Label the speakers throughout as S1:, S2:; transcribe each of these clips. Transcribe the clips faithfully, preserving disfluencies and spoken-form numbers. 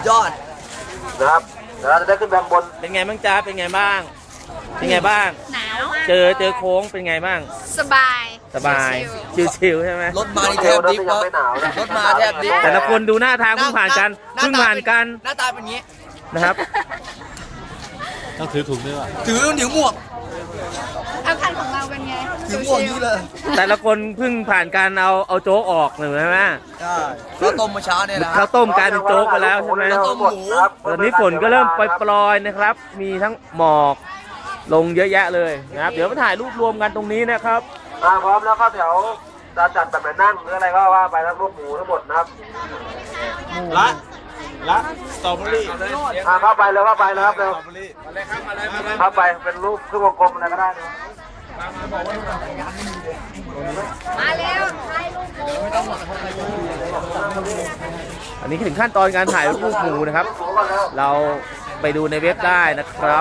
S1: ยอดนะครับเดี๋ยวเราจะได้ขึ้นแบงบน
S2: เป็นไงบ้างจ๊ะเป็นไงบ้างเป็นไงบ้าง
S3: หนาวมาก
S2: เจอเจอโค้งเป็นไงบ้าง
S3: สบาย
S2: สบายชิวๆใช่ไหม
S1: รถมาแทบดิฟรถมาแทบดิฟ
S2: แต่ละคนดูหน้าทางเพิ่งผ่านกันเพิ่งผ่านกัน
S1: หน้าตาเป็นงี้
S2: นะครับ
S4: ต้องถือถุงด้วยว่ะ
S1: ถือถือหมวก
S3: เอาคันของเราเป็นไง
S1: ถือหมวกนี้เลย
S2: แต่ละคนเพิ่งผ่านการเอาเอาโจ๊กออกหนึ่งใช่ไหม
S1: ใช่ข้าวต้มมาเช้าเนี่ยนะ
S2: ข้าวต้มกลายเป็นโจ๊กไปแล้วใช่ไหม
S1: ข้าวต้มหมู
S2: ตอนนี้ฝนก็เริ่มปล่อยๆนะครับมีทั้งหมอกลงเยอะแยะเลยนะครับเดี๋ยวมาถ่ายรูปรวมกันตรงนี้นะครับ
S1: มาพร้อมแล้วก็แถวจะจัดแบบไหนนั่งหรืออะไรก็ว่าไปทั้งรูปหมูทั้งหมดนะครับ
S4: ละละสตรอเบอรี่
S1: อ่าเข้าไปเลยเข้าไปเลยครับเร็วเข้าไปเป็นรูปครึ่งวงกลมอะไรก็ได้นะ
S3: มาเร็วถ่ายรูปหมู
S2: อันนี้ถึงขั้นตอนการถ่ายรูปหมูนะครับเราไปดูในเว็บได้นะครับ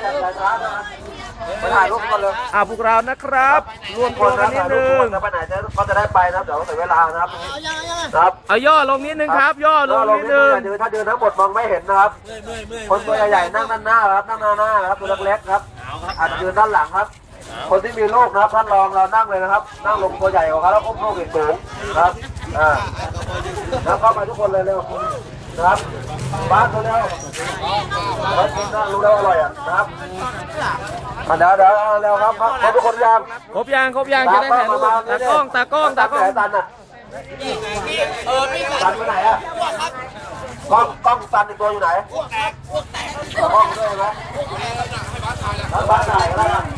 S1: ถ่ายรูปกันเลย
S2: อ่าพวกเรานะครับรวมตัวกันนิดนึง
S1: จะไปไหนจะก็จะได้ไปนะเดี๋ยวเสียเวลานะครับครับ
S2: เอาย่อลงนิดนึงครับย่อลงนิดนึง
S1: ถ้าเดินทั้งหมดมองไม่เห็นนะครับคนตัวใหญ่ๆนั่งด้านหน้าครับนั่งด้านหน้าครับตัวเล็กๆครับอาจจะยืนด้านหลังครับคนที่มีลูกนะครับท่านรองเรานั่งเลยนะครับนั่งลงตัวใหญ่กว่าเขาแล้วก้มลูกอีกสูงครับอ่าแล้วเข้ามาทุกคนเลยเร็วนะครับบ้านเขาเร็วแล้วกินน่ารู้แล้วอร่อยอ่ะนะครับเดี๋ยวเดี๋ยวเร็วครับครับทุกคนยัง
S2: ครบยังครบยังจะได้ถ่ายรูปตากล้องตากล้องตากล้อง
S1: ตันอ่ะเออพี่ตันไปไหนอ่ะกล้องกล้องตันอีกตัวอยู่ไหนกล้องด้วยไหมบ้านถ่ายก็ได้